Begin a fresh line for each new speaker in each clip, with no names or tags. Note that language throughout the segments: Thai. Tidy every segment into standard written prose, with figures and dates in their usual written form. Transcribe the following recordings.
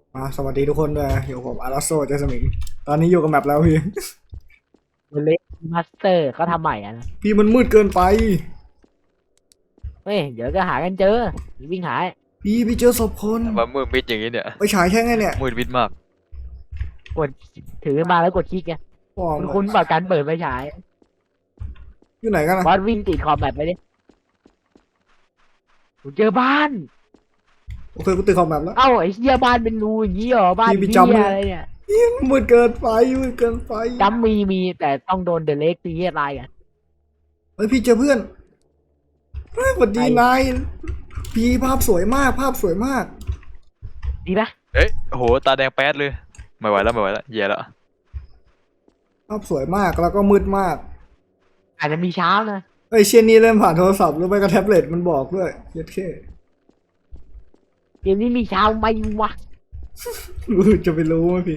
สวัสดีทุกคนด้วยอยู่ผมอาราโซเจสมิงตอนนี้อยู่กับแมปแล้วพี่
เล็กมาสเตอร์เขาทำใหม่อ่ะนะ
พี่มันมืดเกินไป
เฮ้ยเดี๋ยวก็หากันเจอวิ่งหา
พี่เจอศพคน
ว่ามืดมิดอย่างนี้เนี่ย
ไปฉายแค่ไงเนี่ย
มืดมิดมาก
กดถือมาแล้วกดคลิกไง
ป้อง
คุณแบบการเปิดไฟฉาย
อยู่ไหนกันนะ
บอสวิ่งติดคอมแบบไปดิกูเจอบ้าน
โอเคกูติดคอมแบบแล้ว
เอ้าไอ้เหี้ยบ้านเป็นรูอย่างงี้เหรอบ้าน
พี่
เหี้
จำเลย
ยอะไรเนี่ย
มืดเกินไปมืดเกินไป
จำมีแต่ต้องโดนเดอะเล็กตีให้ตายกัน
เฮ้ยพี่เจอเพื่อนเฮ้ยสวัสดีนายพี่ภาพสวยมากภาพสวยมาก
ดีปะ
เอ้ยโอ้โหตาแดงแป๊ดเลยไม่ไหวแล้วไม่ไหวแล้วแย่แล้ว
ภาพสวยมากแล้วก็มืดมาก
อาจจะมีเช้านะ
เฮ้ยเชียนนี้เล่นผ่านโทรศัพท์หรือไม่ก็แท็บเล็ตมันบอกด้วยเย็ดแค่
เกมนี้มีเช้าไหมวะ
จะไปรู้ไหมพี่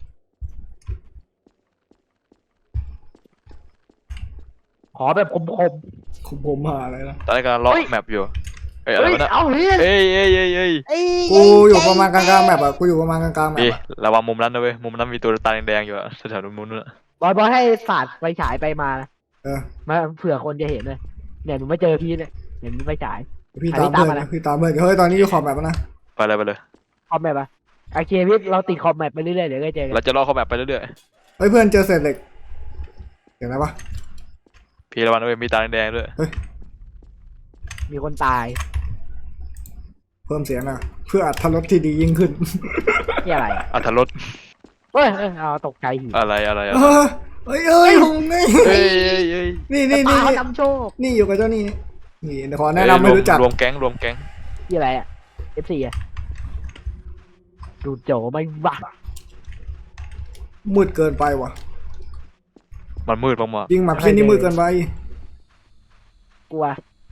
ขอแบบคม
ผมหาอะไรนะ
ตอนนี้กำลังล็อกแมปอยู่เอ้ย
ๆ
อะไร
เฮ้ยว
ะเนี่ย
เอาเฮ้ย
เอ้ยเอ้ยเอ้ยเอ้ย
เอ้ย
กูอยู่ประมาณกลางๆแมปอะกูอยู่ประมาณกลางๆแมป
พี่
อะ
ระวังมุมนั้นนะเว้ยมุมนั้นมีตัวตาแดงๆอยู่อะแถวๆมุมนู้นอะ
บอสให้สาดไฟฉายไปมานะ
เออ
มาเผื่อคนจะเห็นเลยเนี่ยหนูไม่เจอพี่เลยเห็นไฟฉาย
พี่ตามเพื่อนนะพี่ตามเพื่อนเฮ้ยตอนนี้อยู่ขอบแมปแล้วนะ
ไปเลยไปเลย
คอมแมปอะโอเคพี่เราติดคอมแมปไปเรื่อยๆเดี๋ยวก็เจอกัน
เราจะล่อเข้าแมปไปเรื่อย
เฮ้ยเพื่อนเจอเศษเหล็กเห็นไหมวะ
ๆพี่ระวังนะเว้ยมีตาแดงๆด้วย
มีคนตาย
เพิ่มเสียงนะเพื่ออัตรสที่ดียิ่งขึ้น
ที่อะไรอะ
อัธรส
เฮ้ยเอาตกใจหิว
อะไรอะไรอะไร
เฮ้ยหงนี่
เอ้ยเอ้ยเอ้ย
นี่
ตาเขานำโชค
นี่อยู่กับเจ้านี่นี่เดี๋ยวขอแนะนำไม่รู้จัก
รวมแก๊งรวมแก๊ง
ที่อะไรอะ F4 อะดูโจไม่บ้า
มืดเกินไปว่ะ
มันมืดมาก
ยิงหมับเพี้ยนนี่มืดเกินไป
กลัว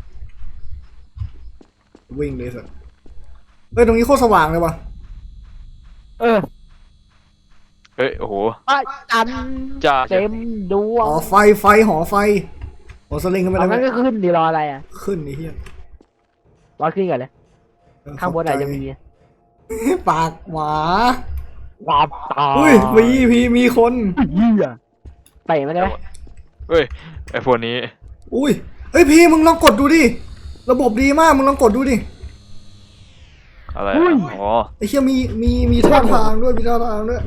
วิ่งเลยสัสเฮ้ยตรงนี้โคตรสว่างเลยว่ะ
เออ
ๆเฮ้ยโอ้โห
พระจันทร์
จ้า
เต็มดว
ห
ง
อไฟหอไฟหอสลิงขึ้นไป
เอา
แล้ว
งั้นก็ขึ้นดีรออะไรอะ
ขึ้นนี่เฮีย
รอขึ้นก่อนเลยข้างบนอาจจะมี
ปากหมา
ความตาย
อุ้ยมีคน
เหี้ยเตะมันได้ไหม
เฮ้ยไอพวกนี้
อุ้ยเฮ้ยพี่มึงลองกดดูดิระบบดีมากมึงลองกดดูดิ
อะไรอะอ๋อ
ไอ้เชี่ยมีท่าทางด้วยมีท่าทางด้วย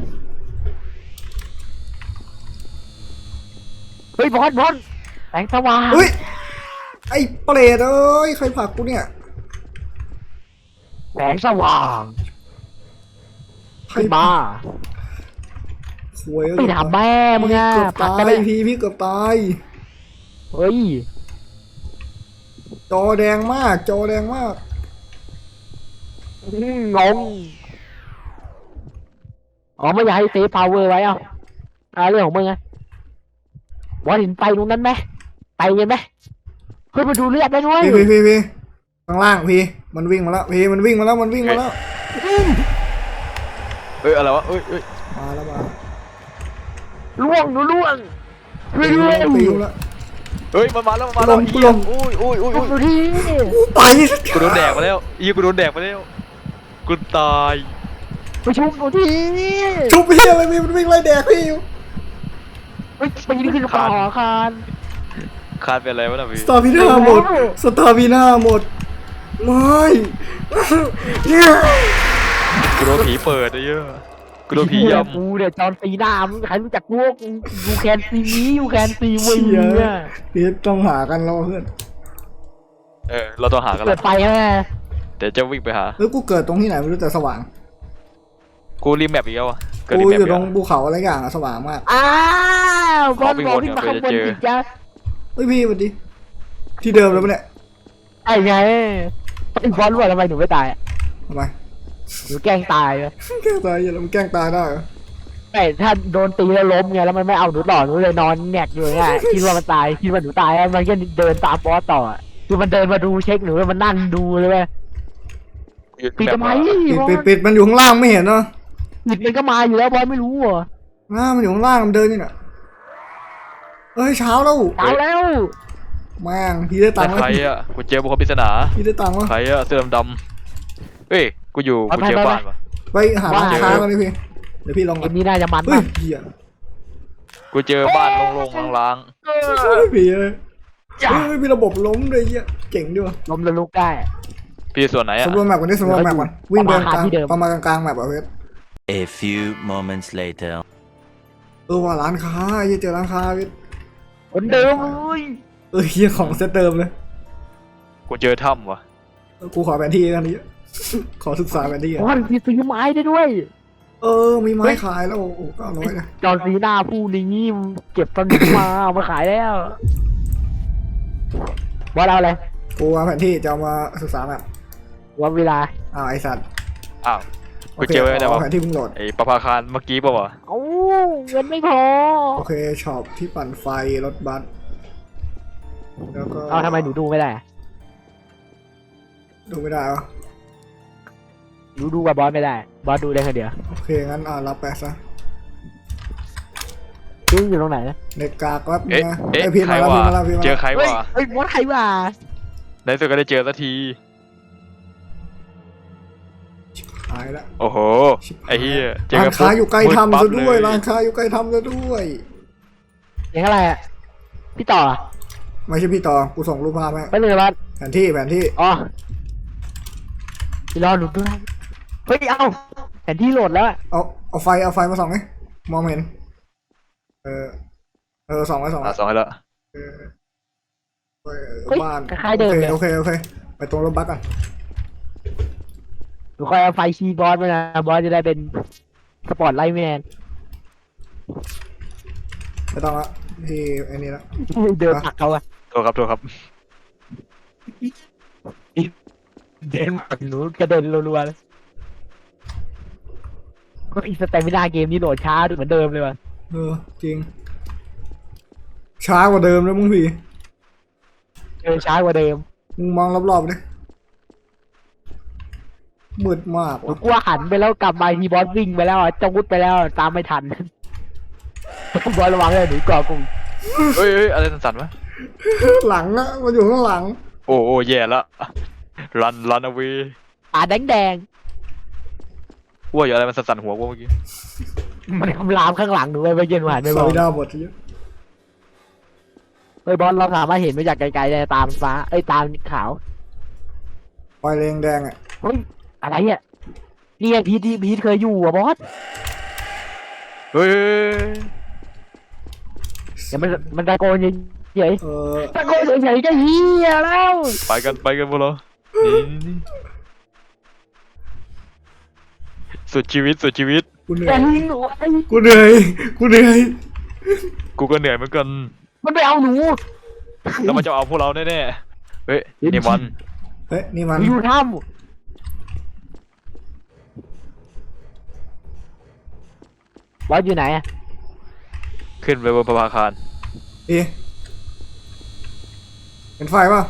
เฮ้ยบอสแสงสว่าง
เฮ้ยไอ้เปรตเอ้ยใครผลักกูเนี่ย
แสงสว่าง
ใคร
ขึ้นมา
หวย
ไปถามแม่มึงอะ
เกือบ
ผลัก
ตา
กัน
ย
เลย
พี่เกือบตาย
เฮ้ย
จอแดงมากจอแดงมาก
งงอ๋อไม่อยากให้เซฟพาวเวอร์ไว้เอาเรื่องของมึงไงบอสเห็นไฟตรงนั้นไหมไปเห็นไหมเฮ้ยมาดูเลือดได้ด้วย
พี่ข้างล่างพี่มันวิ่งมาแล้วพี่มันวิ่งมาแล้ว
เอ้ยอะไรวะเอ้ยเอ้ย
มาแล้วมา
ล่วงช่วยด้วย
ตีแล้ว
เฮ้ยมันมาแล้วมันมาแล้ว
กูลง
อุ้ยอุ้ยอุ้ยอุ้ย
ดูที่
ไป
กูโดนแดกมาแล้วกูโดนแดกมาแล้วกูตาย
ไปชุบดูที่
ชุบพี่อะไรพี่มันวิ่งไล่แดกพี่อยู่
ไปปีนขึ้นคอคาน
คาดเป็นอะไรวะน่ะพี่
สตาร์พีน่าหมดสตาร์พีน่าหมดไม่เนี่ย
กูโดนผีเปิดไอ้เหี้ยอะกูโดนผีย่
กูเนี่ยจอนซีน่ามึงใครรู้จักกูยูแคนซีนี้ยูแคนซีวีเนี่ย
พี่ต้องหากันแล้วเพื่อน
เราต้องหากัน
เปิ
ละ
ดไฟแม่
เดี๋ยวจะวิ่งไปหา
เฮ้ยกูเกิดตรงที่ไหนไม่รู้แต่สว่าง
กูรีแมปอีกแล้วอะเกิด
กู
รีแมป
อยู่
อีก
ตร
แล้
ง
ว
ภูเขาอะไรอย่างอะสว่างมาก
อ้าวบอล
วิ่ง
บอล
วน
ขึ้นมา
เดี๋ยว
ข้างบน
เจอ
จิตจ้า
เฮ้ยพี่สวัสดีที่เดิมเลยปะเนี่ย
ไอ้ไงไอ้บอลรู้ว่าทำไมหนูไม่ตายอะ
ทำไม
หนูแกล้งตายเลย
แกล้งตายอย่าแล้วมันแกล้งตายได้เหรอ
แต่ถ้าโดนตีแล้วล้มไงแล้วมันไม่เอาหนูต่อหนูเลยนอนแงกอยู่ไงคิดว่ามันตายคิดว่าหนูตายมันก็เดินตามบอสต่อคือมันเดินมาดูเช็คหนูแล้วมันนั่งดูเลยเว้ยปิดทำไม
ปิดมันอยู่ข้างล่างไม่เห็นเนาะ
ปิดมันก็มาอยู่แล้วบอสไม่รู้เหรอ
มันอยู่ข้างล่างมันเดินนี่น่ะเฮ้ยเช้าแล้ว
ตายแล้ว
แม่งพี่ได้ตั
แต่
งค์
ใครอะกูเจอบุคคลปริศนา
พี่ได้ตังค์วะ
ใครอะเสื้อดำๆเฮ้ยกูอยู่กูเจอบ้านวะ
พไปหาร้านค้ากันดิพี่เดี๋ยวพี่ลอง
เก
ก่อน
มนี้น่าจะมัน
เฮ้ย
มาก
เหี้ย
กูเจอบ้านโล่งๆล้าง
เฮ้ยพี่เอ้ยเฮ้ยมีระบบล้มเลยเหี้ยเจ๋งดีว่ะ
ล้มแล้วลุกได้
ๆพี่ส่วนไหนอะ
สำรวจแมปก่อนดิสำรวจแมปก่อนวิ่งไป
ประมาณ
กลาง
ที่เดิม
ประมาณกลางๆแมปอ่ะเพื่อน
A few moments later.
ว่าร้านค้าเหี้ยเจอร้านค้าพี่
คนเดิมเลย
เหี้ยของเซตเดิมเลย
กูเจอถ้ำวะ
กูขอแผนที่กันนี้ ขอศึกษาแผนที่
โอ้
อ่ะ
ยมีซื้อไม้ได้ด้วย
มีไม้ขายแล้วโอ้โห900นะ
จอร์นซีน่าผู้นี้เก็บตอนนี้มาเอามาขายแล้วบอสเอาอะไร
กูวางแผนที่จะเอามาศึกษาแมป
วันเวลา
ไอสัตว์
อ้าวกูเจอไว้แต่
เอา
ว่า
แผนที่เพิ่งโหลด
ไอ้ประภาคารเมื่อกี้ป่าวะ
เอ้าเงินไม่พอ
โอเคช็อปที่ปั่นไฟรถบัสแล้วก็
เอาทำไมหนูดูไม่ได้
ดูไม่ได้วะ
หนูดูกับบอสไม่ได้ บอสดูได้แค่เดียว
โอเคงั้นรับไปซะ
ซึ่งอยู่ตรงไหน
ในกากแป๊บนึ
เอ๊ะ
งนะ
เอ๊ะ
ไอพี
ใคร
มาแล้ว
วะ
พีมาแล้วพีมา
เจอ
แล้ว
ใคร
เฮ้ยว
ะ
เฮ้ยบอสใครวะ
ในที่สุดก็ได้เจอสักที
หายละ
โอ้โหไอ้เหี้ยเจอ
ร้า
กัน
ค้าอยู่ใกล้
มืด
ทำ
ปั๊บ
ซะด้วย
เล
ร้านค้าอยู่ใกล้ทำซะด้วย
อย่างอะไรอ่ะ พี่ต่อเหรอ
ไม่ใช่พี่ต่อกูส่งรูปภาพให้
ไปเลยบอส
แผนที่
อ๋อพี่รอหนูด้วยเฮ้ย เอาแผนที่โหลดแล้วอะ
เอาไฟมาส่องไหมมองไม่เห็นส่องไว้
อ่ะสองให้แล้ว
เออ
เฮ้ย
บ้าน
คล้ายๆเดิมเลย
โอเคไปตรงรถบัสกัน
หนูคอยเอาไฟชีบอสมานะ บอสจะได้เป็นสปอร์ตไลท์แมน
ไม่ต้องละที่ไอ้นี่ละ
เดินผลักเขาอะ
โทษครับ
เดินผลักหนูกระเด็นรัวๆเลยก็อีสเตมินาเกมนี้โหลดช้าเหมือนเดิมเลยว่ะ
จริงช้ากว่าเดิมแล้วมึงพี่
ช้ากว่าเดิม
มึงมองรอบๆดิมืดมาก
หนู
ว่ะ
กลัวหันไปแล้วกลับมาทีบอสวิ่งไปแล้วอะจะวุดไปแล้วตามไม่ทัน บอสระวังเลยหนูก่อกลุ่ม
เฮ้ยอะไรสั่นๆวะ
หลังอะมันอยู่ข้างหลัง
โอ้แย่ละรันเอาไว้
แดง
ว่าอยู่อะไรมันสั่นๆหัวกูเมื่อกี้
ๆมันคำรามข้างหลังหนูไปเมื่อกี้หนูหันไป
ส
มอง
วิดาบทเยอะ
เฮ้ยบอสเราสามารถเห็นมาจากไกลๆได้ตามฟ้าตามขาว
ไฟแดงอะ
เฮ้ยอะไรอ่ะนี่ไงพีทเคยอยู่อ่ะบอส
เฮ้ย
เดี๋ยวมันตะโกนเฉย
เออ
ๆตะโกนเฉยๆก็เฮียแล้ว
ไปกันพวกเรานี่สุดชีวิต
กูเหนื่
แต่
อย
หนู
กูเหนื่อย
กูก็เหนื่อยเหมือนกัน
มันไปเอาหนู
แล้วมันจะเอาพวกเราแน่ๆเฮ้ยนี่มัน
เฮ้ยนี่มัน
อยู่ถ้ำบอสอยู่ไหนอ่ะ
ขึ้นไปบนประภาคาร
เห็นไฟป่ะ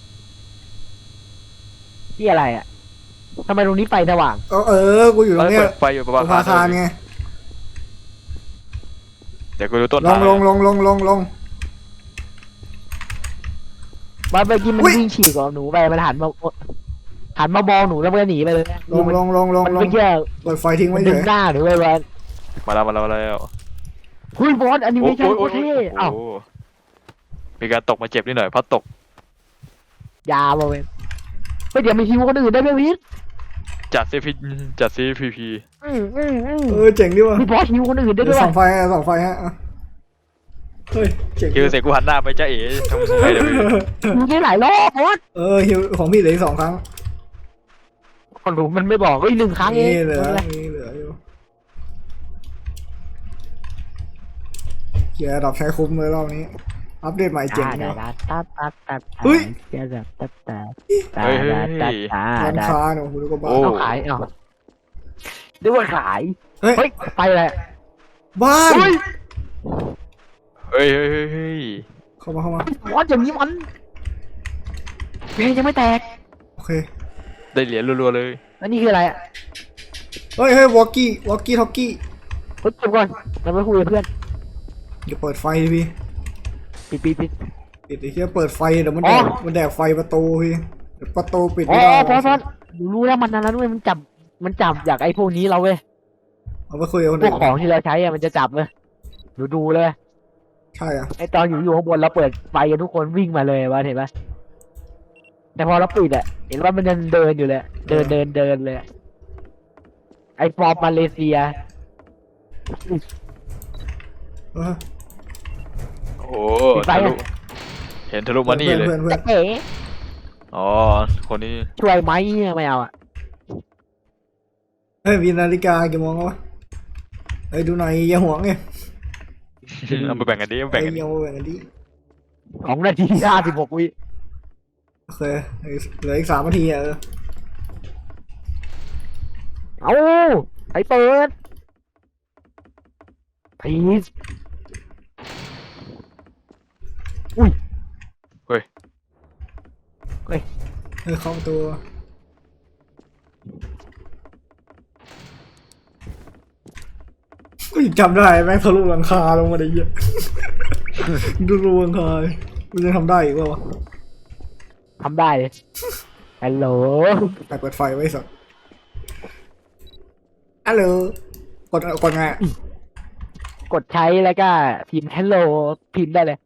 ที่อะไรอ่ะทำไมตรงนี้ไฟสว่าง
กูอยู่ตรงเนี้ย
เปิดไฟอยู่ประ
ป
ภา
ระภาคารไง
เดี๋ยวกูดูต้น
ลง
บอสเมื่อกี้มัน
อุ๊ย
วิ่งฉีกกับหนูไปมันหันมามองหนูแล้วมันก็หนีไปเลย
ลง
มันไม่เกี่ยว
เปิดไฟทิ้ง
มั
ไว้
น
เฉ
ดึง
ย
หน้าหนูไปบอส
มาแล้ว
เฮ้ยบอสแอนิเมชั่นโคตรเท่เอ้า
มีการตกมาเจ็บนิดหน่อยพัดตก
ยาวมาเว้ยเฮ้ยเดี๋ยวมีฮิวคนอื่นได้ไหมพีท
จัดซีพีพี
เจ๋งดิว่ะ
มีบอสฮิวคนอื่นได้ด้วย
ส่องไฟฮะเฮ้ยเจ๋ง
คือเสกกูหันหน้าไปจ้าเอ๋ทำไงเดี๋ยว
มีได้หลายรอบบอส
ฮิวของพี่เหลืออีก2 ครั้ง
คนรู้มันไม่บอกเฮ้ย1 ครั้งเอง
นี่เหลือ
ไม่เป็นไร
อยู่เกียร์ดอกใช้คุ้มเลยรอบนี้ อัปเดตใหม่เจ๋ง
ตา
เนาะ
ตาตาตา
เฮ้ย
เดี๋ยวแบบตาตา
เฮ้ย
ร้านค้าเนี่ยคุณก็บ้า
โอ้
เอาขายเอาด้วยว่าขาย
เฮ้ย
เฮ้ยไปเลย
บ้าน
เฮ้ย
เฮ้ย
เข้ามา
บอสอย่างนี้มันเพลงยังไม่แตก
โอเค
ได้เหรียญรัวๆเลย
แล้วนี่คืออะไรอ่ะ
เฮ้ยวอลกี้ท็อกกี้
เฮ้ยเก็บก่อนเราไม่คุยกับเพื่อน
อย่าเปิดไฟดิพี่
ปิด
ปิดไอ้เหี้ยเปิดไฟเดี๋ยวมัน
อ๋อ
แดกไฟประตูพี่เดี๋ยวประตูปิด
อ๋
ไม่
อ
ได้
พอหนูรู้แล้วมันนั้นด้วยมันจับมันจับจากไอ้พวกนี้เราเว้ย
เอาไปคุยกับคน
พว
อื่
ก
น
ของที่เราใช้อะมันจะจับเว้ยดูเลย
ใช่อ่ะ
ไอ้ตอนอยู่ข้างบนเราเปิดไฟกันทุกคนวิ่งมาเลยวะเห็นปะแต่พอเราปิดอะเห็นว่ามันยังเดินอยู่เลยเดินเลยอะไอ้ฟอร์มมาเลเซีย
เออ
โอ้ทะลุเห็นทะลุมานี่เลย
เพื่อน
จะเก๋
อ๋อคนนี้
ช่วยไหมไม่เอาอะ
เฮ้ยมีนาฬิกากี่โมงแล้ววะเฮ้ยดูหน่อยอย่าห่วงไง
เอาไปแบ่งกันดิเอาไป
เฮ้
แบ่
ย
งกันดิ
อย่ามาแบ่งกันดิ
2 นาที 56 วิ
โอเคเหลืออีก3 นาทีอ่ะ
เอาไอ้เปิดพีซอุ้ย
เฮ้ย
เฮ้ยเข้าประตัวกูยังจำได้แม่งทะลุหลังคาลงมาได้เหี้ยอะดูรูหลังคามันยังทำได้อีกวะ
ทำได้เลยฮัลโหล
แต่เปิดไฟไว้สักฮัลโหลกดไงอะ
กดใช้แล้วก็พิมพ์ hello พิมพ์ได้เลย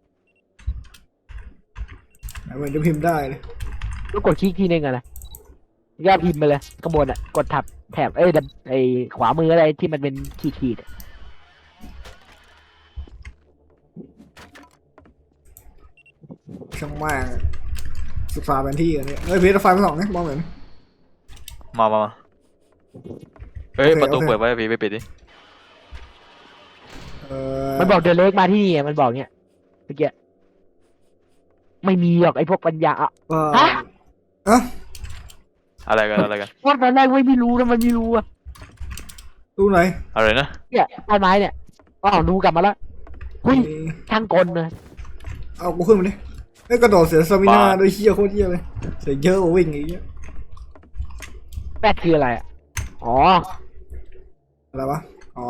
เหมือนจะพิมพ์ได้เลย
ก็กดคลิกทีนึงอะนะก็พิมพ์ไปเลยข้างบนอะกดแถบไอ้ขวามืออะไรที่มันเป็นขีดๆอะ
ช่างมากอะศึกษาแผนที่กันเนี่ยเฮ้ยพีทเอาไฟมาส่องนี่มองเหมือน
มาเฮ้ย
โอเค
ประตู
โอเค
เปิดไว้พี่ไปปิดดิ
มันบอกเดินเล็กมาที่นี่อะมันบอกเนี่ยเมื่อกี้ไม่มีหรอกไอ้พวกปัญญาอะ
ฮะอะ
อะไรกันอะไรกัน
ว่าตอนแรกไม่รู้นะมันไม่รู้อะ
ดูไหน
อะไรนะ
เนี่ยต้นไม้เนี่ยอ้าวดูกลับมาแล้วหุ้ยช่างกลนะ
เอากูขึ้นมาดิเฮ้ยกระโดดเสียสมินาโดยเฮียโคตรเฮียเลยเสียเยอะกว่าวิ่งอย่างเงี้ย
แปดคืออะไรอะอ๋อ
อะไรวะอ๋อบ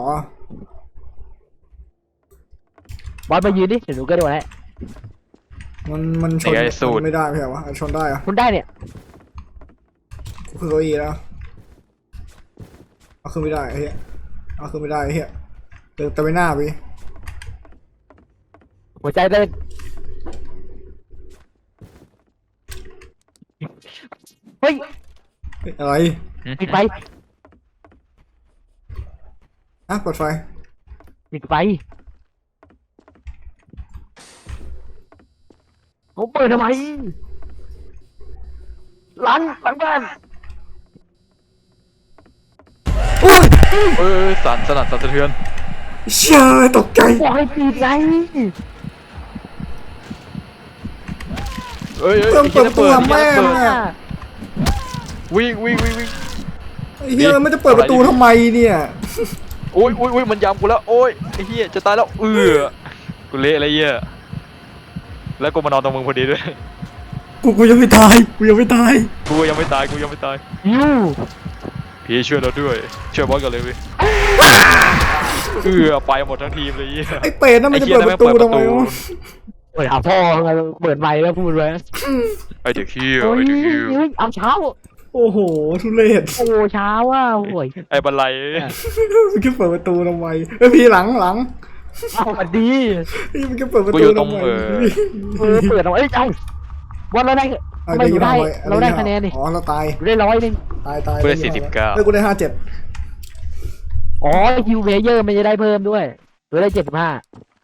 อลมายืนดิเดี๋ยวหนูกระโดดให้
มันชนมันไม่ได้ไม่ใช่วะชนได้อะ
คุณได้เนี่ย
กูคือเก้าอี้แล้วเอาขึ้นไม่ได้ไอ้เฮียเอาขึ้นไม่ได้ไอ้เฮียเดินแต่ไม่หน้าไป
หัวใจเต้นเฮ้ย
เฮ้ยอะไร
ปิดไฟ
อ่ะเปิดไฟ
ปิดไฟผมเปิดทำไมหลังบ้าน
เอ้ยสั่นสะเทือน
เชี่ยตกใจ
บอกให้ปิดไง
เอ้ย
เพิ่มเปิดประตูทำแม่ง
อ่ะ
วิ่ง
ไอ้เฮียมันจะเปิดประตูทำไมเนี่ย
โอ้ยมันยำกูแล้วโอ้ยไอ้เหี้ยจะตายแล้วกูเละอะไรเหี้ยแล้วกูมานอนตรงมึงพอดีด้วย
กูยังไม่ตายกูยังไม่ตาย
กูยังไม่ตาย
ยู
พี่ช่วยเราด้วยช่วยบอสกันเลยเว้ยไปหมดทั้งทีมเลยเหี้ย
ไอ้เป็ดนั่นมันจะเปิดประตูทำไมวะ
เปิดหาพ่อไงเปิดไมค์แล้วพูดไว้
ไอ้เด็กเหี้ย
เฮ้ยเอาเช้า
โอ้โหทุเรศ
โอ้เช้าอ่ะโอ้ย
ไอ้บันไล
มันแค่เปิดประตูทำไมเอ้ยพี่หลัง
เอามาดี
นี่มันแค่เปิดประ
กู
ตู
อยู่ตร
ทำ
ง
ไม
เปิดเอาเอ้ยเอาวันเราได้ทำไมอยู่ได้เราได้คะแนนนี่
อ๋อเราตาย
อยู่ได้100นึง
ตาย
กูได้49
เฮ้ยกูได้57
อ๋อคิวเพเยอร์มันจะได้เพิ่มด้วยหรือได้75